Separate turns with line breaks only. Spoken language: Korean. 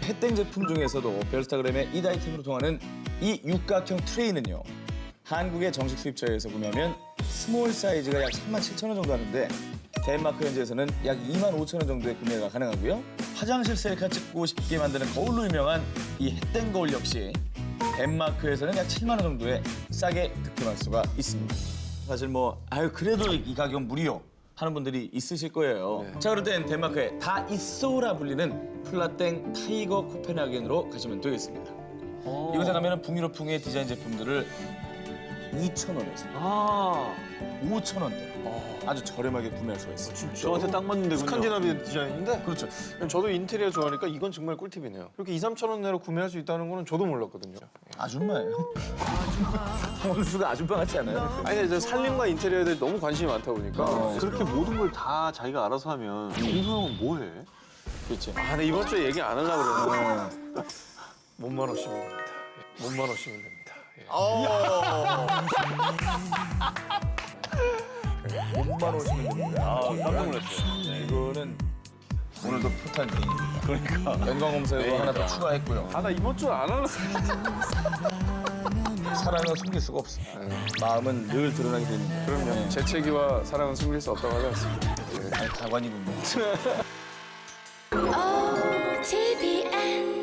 햇땡 제품 중에서도 벨스타그램의 1아이템으로 통하는 이 육각형 트레이는요. 한국의 정식 수입처에서 구매하면 스몰 사이즈가 약 37,000원 정도 하는데 덴마크 현지에서는 약 25,000원 정도의 구매가 가능하고요. 화장실 셀카 찍고 싶게 만드는 거울로 유명한 이 햇땡 거울 역시 덴마크에서는 약 7만 원 정도에 싸게 득템할 수가 있습니다. 사실 뭐 아유 그래도 이 가격 무리요 하는 분들이 있으실 거예요. 자 그럴 땐 덴마크에 다 있어라 불리는 플라땡 타이거 코펜하겐으로 가시면 되겠습니다. 이곳에 가면 북유럽풍의 디자인 제품들을 2,000원에서 5,000원대 아주 저렴하게 구매할 수가 있어요.
저한테 딱 맞는 데군요. 스칸디나비아 디자인인데?
그렇죠.
저도 인테리어 좋아하니까 이건 정말 꿀팁이네요. 이렇게 2, 3천 원 내로 구매할 수 있다는 거는 저도 몰랐거든요.
아줌마예요. 황원수가 아줌마 같지 않아요?
아니, 저 살림과 인테리어에 대해 너무 관심이 많다 보니까.
그렇게 모든 걸 다 자기가 알아서 하면 공소형은 뭐 해?
그렇지.
아, 근데 이번 주에 얘기 안 하려고 그랬는데. 몸만 오시면 됩니다. 몸만 오시면 됩니다.
몸만 오시면 됩니다.
깜짝 놀랐어요.
이거는 오늘도 포탄 개인입니다. 그러니까 연관검사에도 하나 더 추가했고요.
아, 나 이번 주에 안 하려고.
사랑은 숨길 수가 없어. 마음은 늘 드러나게 됩니다.
그럼요. 재채기와 사랑은 숨길 수 없다고 하지 않습니까?
아니 가관이군요.
OTBN